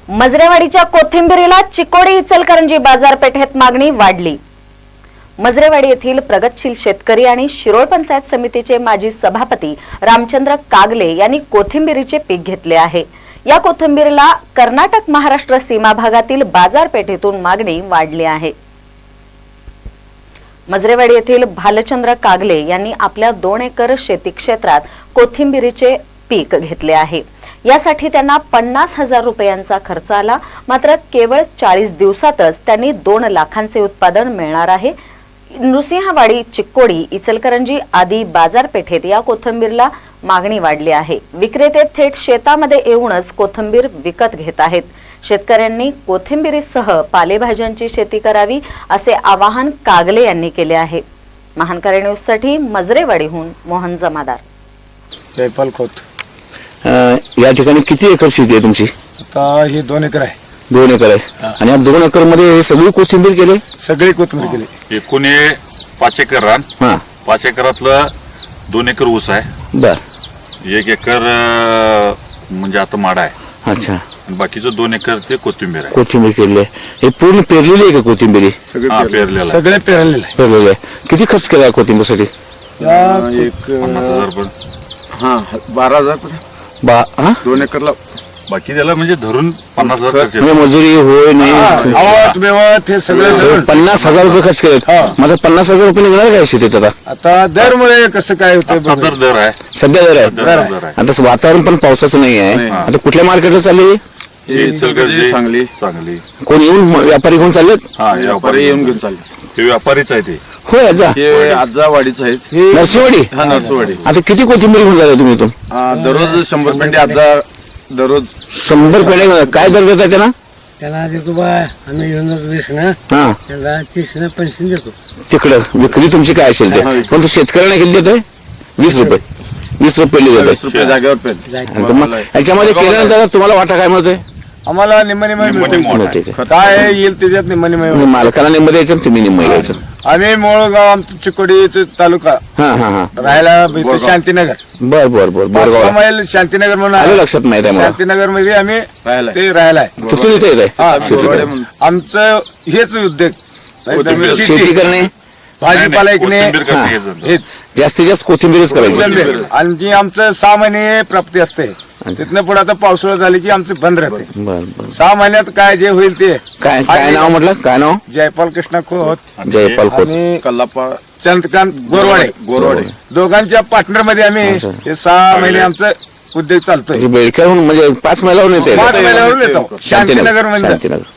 मजरेवाडीच्या कोथिंबिरीला चिकोडी इचलकरंजी बाजारपेठेत मागणी वाढली। मजरेवाडी येथील प्रगतशील शेतकरी आणि शिरोळ पंचायत समितीचे माजी सभापती रामचंद्र कागले यांनी कोथिंबिरीचे पीक घेतले आहे। या कोथिंबिरीला कर्नाटक महाराष्ट्र सीमा भागातील बाजारपेठेतून मागणी वाढली आहे। मजरेवाडी येथील भालचंद्र कागले यांनी आपल्या 2 एकर शेती क्षेत्रात कोथिंबिरीचे पीक घेतले आहे। यासाठी त्यांना 50,000 रुपयांचा खर्च आला। मात्र केवळ 40 दिवसातच त्यांनी 2 लाखांचे उत्पादन मिळणार आहे। नृसिंहवाडी, चिकोडी, इचलकरंजी आदी बाजारपेठेत या कोथिंबीरला मागणी वाढली आहे। विक्रेते थेट शेतामध्ये येऊनच कोथिंबीर विकत घेत आहेत। शेतकऱ्यांनी कोथिंबीरीसह पालेभाज्यांची शेती करावी असे आवाहन कागले यांनी केले आहे। महानकरी न्यूजसाठी मजरेवाडीहून मोहन जमादार। जयपाल खोत। या ठिकाणी किती एकर शेती आहे तुमची? आता हे 2 एकर आहे। 2 एकर आहे आणि या 2 एकर मध्ये सगळी कोथिंबीर केली? सगळी कोथिंबीर केली। एकूण 5 एकर रान। 5 एकरातलं 2 एकर ऊस आहे। बर। 1 एकर म्हणजे आता माडा आहे। अच्छा। बाकीचं 2 एकर ते कोथिंबीर आहे। कोथिंबीर केली आहे। हे पूर्ण पेरलेली आहे का कोथिंबीरी? पेरलेलं सगळे पेरलेलं आहे। पेरलेली आहे। किती खर्च केला कोथिंबीरसाठी? 50,000 पण। 12,000 2 एकरला। बाकी त्याला म्हणजे धरून 50,000 खर्च येतो। म्हणजे मजुरी होय नाही आवत बिवत हे सगळे 50,000 रुपये खर्च केले। माझा 50,000 रुपये निघणार काय शेतीत आता? आता दरमुळे कसं काय होतं? आता दर आहे, सध्या दर आहे। दर आहे। आता वातावरण पण पावसाचं नाही आहे। आता कुठल्या मार्केटला चालली? इचलकरंजी, सांगली। कोण येऊन व्यापारी घेऊन चाललेत? व्यापारी येऊन घेऊन चालले। ते व्यापारीच आहे ते। होय आजा आजावाडीच आहेत। नरसोवाडी? नरसोवाडी। आता किती कोथिंबीर घेऊन जाता तुम्ही इथून? दररोज 100 पेंडे आजा दररोज 100 पेंड्या। काय दर देता त्याला? त्याला देतो बा आम्ही घेऊन जातो 20 ना, हा त्याला 30 ना 50 देतो। तिकडं विक्री तुमची काय असेल ते, पण तो शेतकऱ्यांना किती देतोय? 20 रुपये। 20 रुपये देतोय। 20 रुपये जागेवर पेंड। याच्यामध्ये केल्यानंतर तुम्हाला वाटा काय मिळतोय? आम्हाला निम्मे मिळते। काय येईल त्याच्यात निम्मे मालकाला निम्म द्यायचं आणि तुम्ही निम्म घ्यायचं। आम्ही मोळगाव, आमचं चिकोडी तालुका हा हा हा राहायला इथं शांतीनगर। बर बर बर बोरगाव मैल शांतीनगर म्हणून आलं आहे। लक्षात माहित आहे मला। शांतीनगर मध्ये आम्ही ते राहायला आहे। तिथून इथे येत आहे आमचं हेच उद्योग शेती करणे, भाजीपाला ऐकणे हेच जास्तीत जास्त कोथिंबीरच करायची। आणि आमचं 6 महिने प्राप्ती असते। तिथनं पुढे आता पावसाळा झाली की आमचं बंद राहते। बर बर। 6 महिन्यात काय जे होईल ते। काय नाव म्हटलं? काय नाव? जयपाल कृष्णा खोत, जयपाल खोत आणि कल्लापा चंद्रकांत गोरवाडे दोघांच्या पार्टनर मध्ये आम्ही हे 6 महिने आमचं उद्योग चालतोय। बेडक्याहून म्हणजे 5 मैलावरून येते? 5 महिन्यावरून येतो शांतीनगर मध्ये। शांतीनगर।